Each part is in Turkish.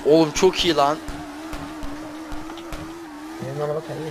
Oğlum çok iyi lan. Benim araba kayıyor.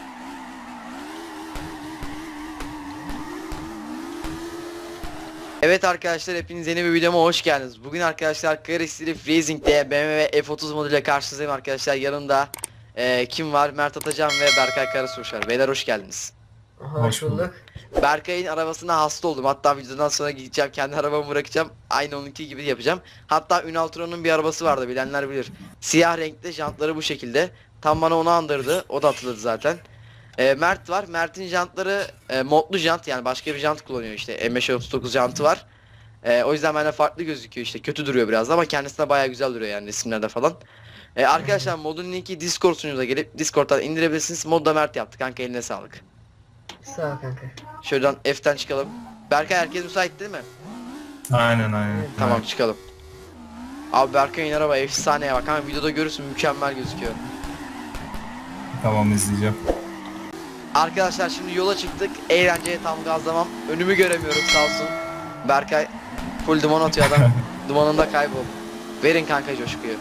Evet arkadaşlar, hepiniz yeni bir videoma hoş geldiniz. Bugün arkadaşlar Car Street Racing'de BMW F30 moduyla karşınızdayım arkadaşlar. Yanımda kim var? Mert Atacan ve Berkay Karasuş var. Beyler hoş geldiniz. Hoş bulduk. Berkay'ın arabasına hasta oldum. Hatta videodan sonra gideceğim, kendi arabamı bırakacağım. Aynı onunki gibi yapacağım. Hatta Ünal Turan'ın bir arabası vardı, bilenler bilir. Siyah renkli, jantları bu şekilde. Tam bana onu andırdı. O da atıldı zaten. Mert var. Mert'in jantları modlu jant, yani başka bir jant kullanıyor işte. M539 jantı var. O yüzden bende farklı gözüküyor işte. Kötü duruyor biraz ama kendisine bayağı güzel duruyor yani resimlerde falan. Arkadaşlar modun linki Discord sunucumuza gelip Discord'dan indirebilirsiniz. Modda Mert yaptı kanka, eline sağlık. Sağ ol kanka. Şuradan F'ten çıkalım. Berkay, herkes müsait değil mi? Aynen. Tamam, çıkalım. Abi Berkay'ın araba efsaneye bak. Hemen videoda görürsün, mükemmel gözüküyor. Tamam, izleyeceğim. Arkadaşlar şimdi yola çıktık. Eğlenceye tam gazlamam. Önümü göremiyorum sağ olsun. Berkay full duman atıyor adam. Dumanında kayboldu. Verin kanka coşkuyu.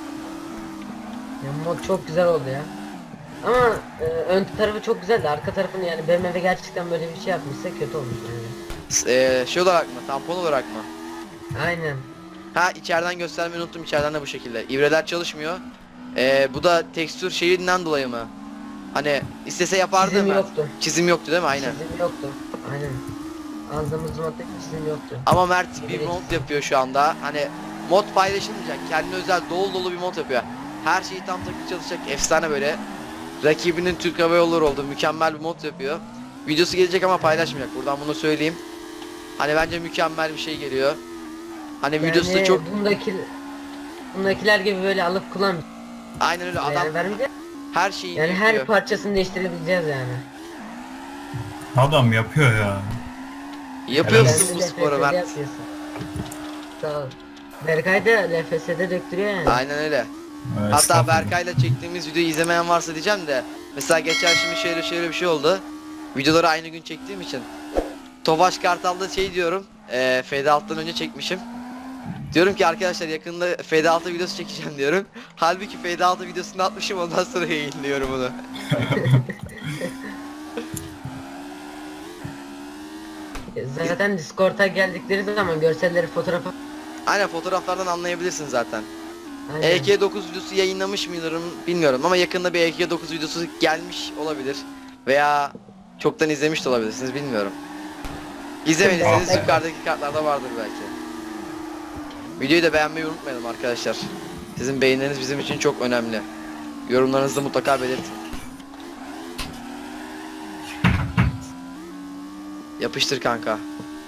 Ya mod çok güzel oldu ya. Ama ön tarafı çok güzeldi. Arka tarafını yani BMW gerçekten böyle bir şey yapmışsa kötü olmuş yani. Şey olarak mı? Tampon olarak mı? Aynen. Ha, içeriden göstermeyi unuttum. İçeriden de bu şekilde. İbreler çalışmıyor. Bu da tekstür şeyinden dolayı mı? Hani istese yapardı Çizim mı? yoktu. Çizim yoktu değil mi? Aynen. Çizim yoktu. Aynen. Aldığımız modda çizim yoktu. Ama Mert bir mod yapıyor şu anda. Hani mod paylaşılmayacak. Kendine özel dolu dolu bir mod yapıyor. Her şeyi tam takır çalışacak. Efsane böyle. Rakibinin Türk Hava Yolları oldu. Mükemmel bir mod yapıyor. Videosu gelecek ama paylaşmayacak. Buradan bunu söyleyeyim. Hani bence mükemmel bir şey geliyor. Hani videosu da çok... Bundakiler gibi böyle alıp kullan. Aynen öyle, adam Yani vermeyeceğiz. her şeyi Yani yapıyor. her parçasını değiştirebileceğiz yani. Adam yapıyor ya. Yapıyorsun Helal bu Kendi sporu LFS'de Mert. yapıyorsun. Sağ ol. Berkay da LFS'de döktürüyor yani. Aynen öyle. Evet, Hatta estağfurullah. Berkay'la çektiğimiz videoyu izlemeyen varsa diyeceğim de. Mesela geçen şimdi şöyle bir şey oldu. Videoları aynı gün çektiğim için. Tofaş Kartal'da şey diyorum. Fade Out'tan önce çekmişim. Diyorum ki arkadaşlar yakında Fade Out'a videosu çekeceğim diyorum. Halbuki Fade Out'a videosunu atmışım, ondan sonra yayınlıyorum onu. Zaten Discord'a geldikleri zaman görselleri, fotoğrafı. Aynen, fotoğraflardan anlayabilirsin zaten. Aynen. EK9 videosu yayınlamış mıydım bilmiyorum ama yakında bir EK9 videosu gelmiş olabilir. Veya çoktan izlemiş de olabilirsiniz, bilmiyorum. İzlemediyseniz Evet. yukarıdaki kartlarda vardır belki. Videoyu da beğenmeyi unutmayalım arkadaşlar. Sizin beğenileriniz bizim için çok önemli. Yorumlarınızı mutlaka belirtin. Yapıştır kanka.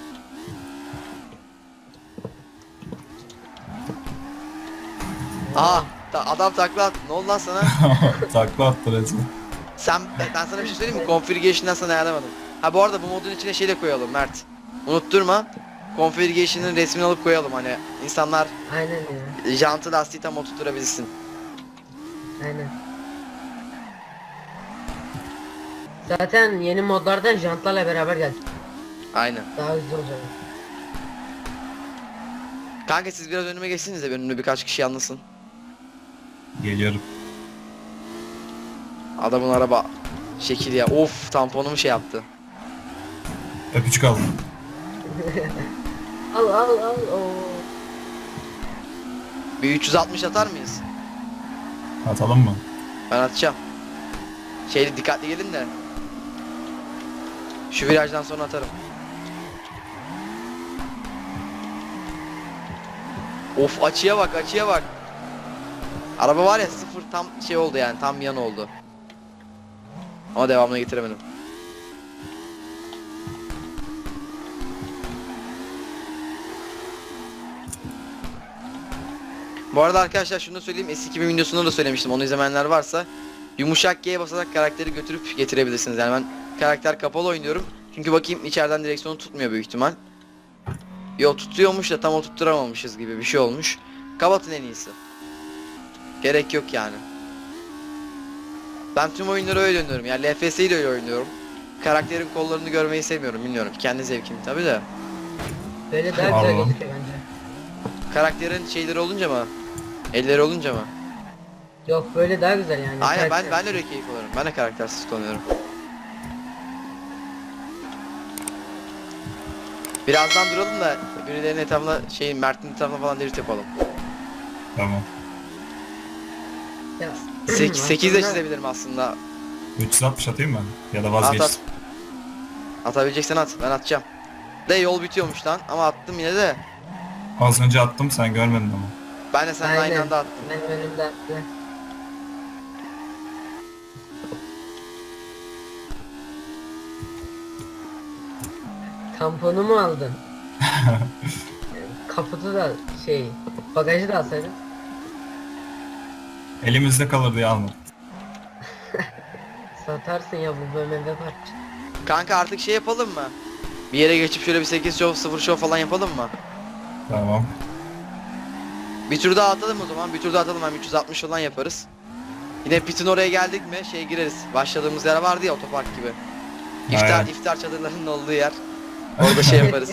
Aa, adam takla attı. Ne oldu lan sana? Takla attı resmen. Ben sana bir şey söyleyeyim mi? Configuration'dan sana ayarlamadım. Ha, bu arada bu modun içine şey de koyalım Mert. Unutturma. Configuration'ın resmini alıp koyalım, hani insanlar Aynen ya. jantı lastiği tam oturtturabilsin. Aynen. Zaten yeni modlardan jantlarla beraber geldi. Aynen. Daha hızlı olacak. Kanka siz biraz önüme geçsiniz de önümde birkaç kişi anlasın. Geliyorum. Adamın araba şekil ya. Of, tamponumu şey yaptı. Öpücük aldım. Al. Oo. Bir 360 atar mıyız? Atalım mı? Ben atacağım. Şeyli dikkatli gelin de. Şu virajdan sonra atarım. Of, açıya bak. Araba var ya, sıfır tam şey oldu yani, tam yan oldu. Ama devamını getiremedim. Bu arada arkadaşlar şunu da söyleyeyim, eski 2000 videosunda da söylemiştim, onu izlemeyenler varsa yumuşak G'ye basarak karakteri götürüp getirebilirsiniz. Yani ben karakter kapalı oynuyorum. Çünkü bakayım içeriden direksiyonu tutmuyor büyük ihtimal. Yo, tutuyormuş da tam oturtturamamışız gibi bir şey olmuş. Kapatın en iyisi. Gerek yok yani. Ben tüm oyunları öyle oynuyorum. Yani LFS'yi de öyle oynuyorum. Karakterin kollarını görmeyi sevmiyorum, bilmiyorum. Kendi zevkim tabi de. Böyle daha güzel Allah. gözüküyor bence. Karakterin şeyleri olunca mı? Elleri olunca mı? Yok böyle daha güzel yani. Aynen Karakter- ben de öyle keyif alırım. Ben de karaktersiz kullanıyorum. Birazdan duralım da birilerinin etrafına Mert'in etrafına falan drift yapalım. Tamam. Ya, 8 de aslında- çizebilirim aslında. 360 atayım mı? Ya da At vazgeç. at. Atabileceksen at. Ben atacağım. De yol bitiyormuş lan ama attım yine de. Az önce attım sen görmedin ama. Ben de seninle aynı Aynen. anda attım. Benim önümde attı. Tamponu mu aldın? Kaputu da bagajı da alsaydın. Elimizde kalır diye almadım. Satarsın ya bu BMW parça. Kanka artık yapalım mı? Bir yere geçip şöyle bir 8 show 0 show falan yapalım mı? Tamam. Bir tur daha atalım o zaman. Bir tur daha atalım, hem 360 falan yaparız. Yine pitin oraya geldik mi gireriz. Başladığımız yer vardı ya, otopark gibi. Aynen. İftar çadırlarının olduğu yer. Orada yaparız.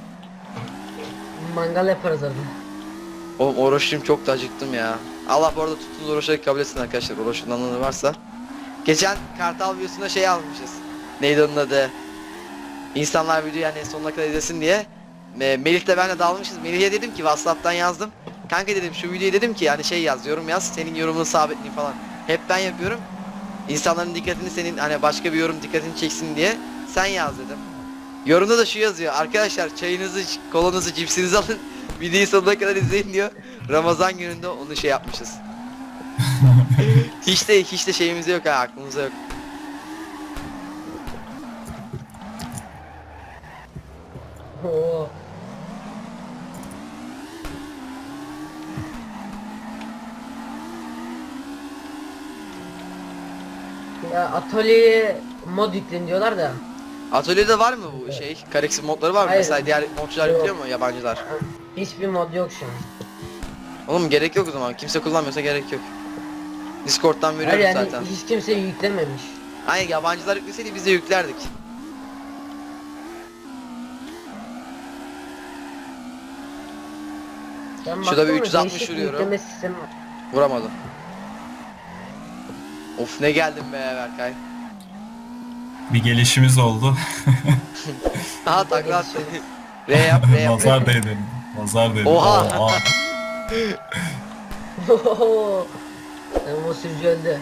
Mangal yaparız orada. Oğlum oruçluyum, çok da acıktım ya. Allah bu arada tuttuğunuz oruçları kabul etsin arkadaşlar. Oruçlu'nun anlamı varsa. Geçen Kartal videosunda almışız. Neydi onun adı? İnsanlar videoyu yani sonuna kadar izlesin diye. Melih de benle dalmışız. Melih'e dedim ki WhatsApp'tan yazdım. Kanka dedim şu videoyu dedim ki yani yaz, yorum yaz. Senin yorumunu sabitleyeyim falan. Hep ben yapıyorum. İnsanların dikkatini senin hani başka bir yorum dikkatini çeksin diye sen yaz dedim. Yorumda da şu yazıyor. Arkadaşlar çayınızı, kolanızı, cipsinizi alın. Videoyu sonuna kadar izleyin diyor. Ramazan gününde onu yapmışız. hiç de şeyimizde yok ha, aklımızda yok. Oo. Ya atölyeye mod yüklen diyorlar da. Atölyede var mı bu Kareksiz modları var mı? Hayır. Mesela diğer modcular Yok. yüklüyor mu, yabancılar? Hiçbir mod yok şu an. Oğlum gerek yok o zaman. Kimse kullanmıyorsa gerek yok. Discord'dan Hayır veriyoruz yani zaten. hiç kimse yüklememiş. Aynen, yabancılar yükleseydi biz de yüklerdik. Ben Şurada bir baktım da 360 değişik bir vuruyorum. yükleme sistemi var. Vuramadım. Of ne geldim be Berkay. Bir gelişimiz oldu. Aha Burada takla attı. gelişiyoruz. R yap. Nazar değdi. Nazar değdi. Oha! Oha. O sürücü öldü.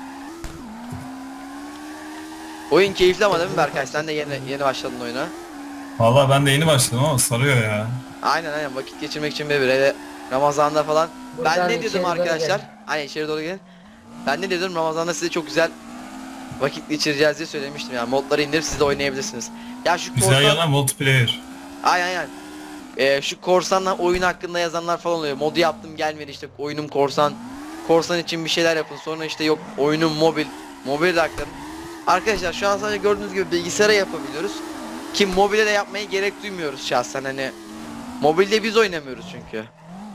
Oyun keyifli ama değil mi Berkay? Sen de yeni başladın oyuna. Valla ben de yeni başladım ama sarıyor ya. Aynen vakit geçirmek için böyle Ramazan'da falan. Buradan Ben ne diyordum içeri doğru arkadaşlar? gelin. Aynen içeri doğru gelin. Ben ne diyordum, Ramazan'da size çok güzel vakit geçireceğiz diye söylemiştim yani. Modları indirip siz de oynayabilirsiniz. Ya şu Güzel yana multiplayer. Aynen. Şu korsanla oyun hakkında yazanlar falan oluyor. Modu yaptım gelmedi, işte oyunum korsan. Korsan için bir şeyler yapın. Sonra yok oyunum mobil. Mobil de aktarın. Arkadaşlar şu an sadece gördüğünüz gibi bilgisayara yapabiliyoruz. Ki mobile de yapmaya gerek duymuyoruz şahsen hani. Mobilde biz oynamıyoruz çünkü.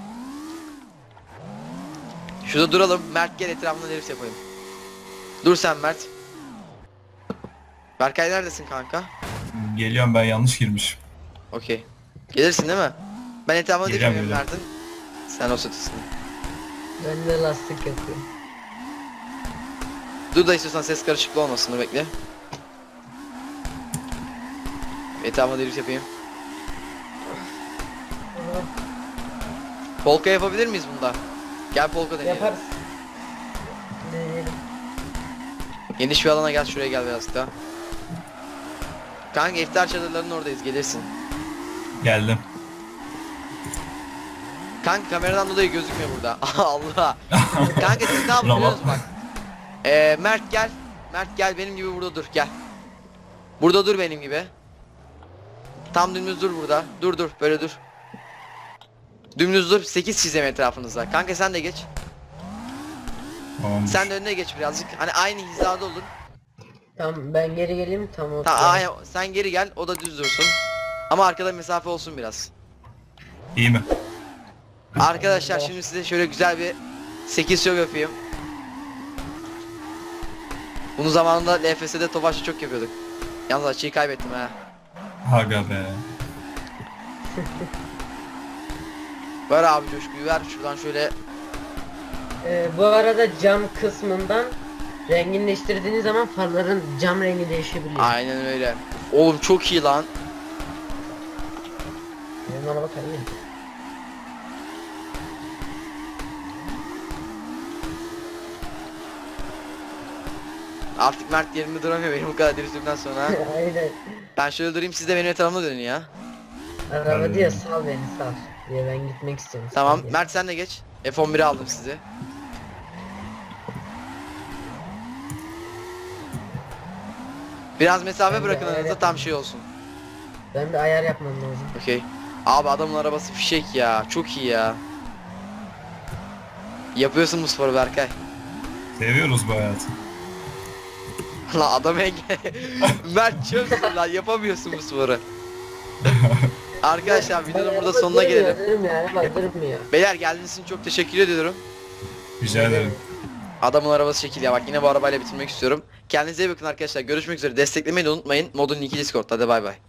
Şurada duralım. Mert gel etrafında drift yapalım. Dur sen Mert. Berkay neredesin kanka? Geliyorum, ben yanlış girmişim. Okey. Gelirsin değil mi? Ben etrafına drift Geliyorum, yapıyorum geliyorum. Mert'in. Sen o sütüsün. Ben de lastik yapıyorum. Dur da istiyorsan ses karışıklığı olmasın, dur bekle. Etrafına drift yapayım. Polka yapabilir miyiz bunda? Gel polka deneyelim. Yaparız. Deneyelim. Geniş bir alana gel, şuraya gel biraz daha. Kanka iftar çadırlarının oradayız, gelirsin. Geldim. Kanka kameradan dolayı gözükmüyor burada. Allah. Kanka siz ne yapıyorsunuz Bravo. bak. Mert gel. Mert gel benim gibi burada dur, gel. Burada dur benim gibi. Tam dümdüz dur burada. Dur böyle dur. Dümdüz dur, 8 çizem etrafınızda. Kanka sen de geç. Tamam. Sen de önüne geç birazcık. Hani aynı hizada olun. Tamam ben geri geleyim tamam. Aynen, sen geri gel, o da düz dursun. Ama arkada mesafe olsun biraz. İyi mi? Arkadaşlar şimdi size şöyle güzel bir 8 show yapayım. Bunu zamanında LFS'de Tofaş'ta çok yapıyorduk. Yalnız açıyı kaybettim ha. Aga be. Ver abi coşkuyu ver, şuradan şöyle Bu arada cam kısmından rengini değiştirdiğiniz zaman farların cam rengi değişebiliyor. Aynen öyle. Oğlum çok iyi lan. Benim araba kayıyor. Artık Mert yerinde duramıyor benim bu kadar dürüstlükten sonra. Aynen. Ben şöyle durayım, siz de benim etrafımda dönün ya. Araba diyor sal beni sal. Diye ben gitmek istiyorum. Tamam Sal diye. Mert sen de geç. F11'i aldım sizi. Biraz mesafe Ben de bırakın ayar aranızda, tam şey olsun. Ben de ayar yapmam lazım. Okey. Abi adamın arabası fişek ya. Çok iyi ya. Yapıyorsun bu sporu Berkay. Seviyoruz bu hayatı. Lan adam engel. Mert çöpsün lan, yapamıyorsun bu sporu. Arkadaşlar videonun burada sonuna gelelim. Durmuyor araba durmuyor. Beyler geldiğiniz için çok teşekkür ediyorum. Rica ederim. Adamın arabası şekil ya, bak yine bu arabayla bitirmek istiyorum. Kendinize iyi bakın arkadaşlar, görüşmek üzere. Desteklemeyi de unutmayın. Modun linki Discord'da, hadi bay bay.